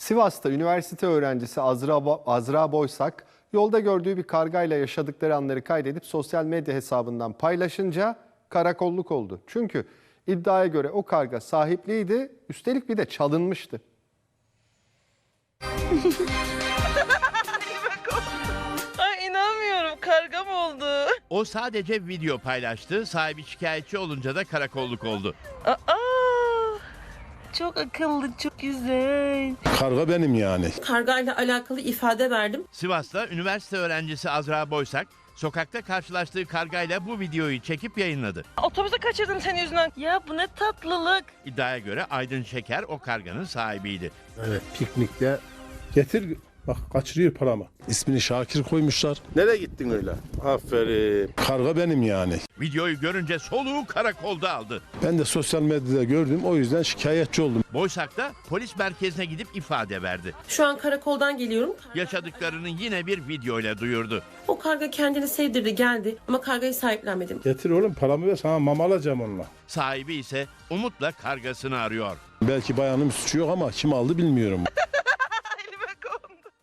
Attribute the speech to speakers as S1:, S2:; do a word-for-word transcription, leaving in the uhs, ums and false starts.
S1: Sivas'ta üniversite öğrencisi Azra, Bo- Azra Boysak yolda gördüğü bir kargayla yaşadıkları anları kaydedip sosyal medya hesabından paylaşınca karakolluk oldu. Çünkü iddiaya göre o karga sahipliydi, üstelik bir de çalınmıştı.
S2: Ay inanmıyorum, karga mı oldu?
S3: O sadece video paylaştı, sahibi şikayetçi olunca da karakolluk oldu.
S2: Aa, çok akıllı, çok güzel.
S4: Karga benim yani.
S5: Kargayla alakalı ifade verdim.
S3: Sivas'ta üniversite öğrencisi Azra Boysak, sokakta karşılaştığı kargayla bu videoyu çekip yayınladı.
S2: Otobüse kaçırdım senin yüzünden. Ya bu ne tatlılık.
S3: İddiaya göre Aydın Şeker o karganın sahibiydi.
S4: Evet, piknikte getir bak kaçırıyor paramı. İsmini Şakir koymuşlar. Nereye gittin öyle? Aferin. Karga benim yani.
S3: Videoyu görünce soluğu karakolda aldı.
S4: Ben de sosyal medyada gördüm, o yüzden şikayetçi oldum.
S3: Boysak da polis merkezine gidip ifade verdi.
S5: Şu an karakoldan geliyorum.
S3: Yaşadıklarını yine bir videoyla duyurdu.
S5: O karga kendini sevdirdi, geldi ama kargayı sahiplenmedim.
S4: Getir oğlum paramı ver, sana mama alacağım onunla.
S3: Sahibi ise umutla kargasını arıyor.
S4: Belki bayanın suçu yok ama kim aldı bilmiyorum.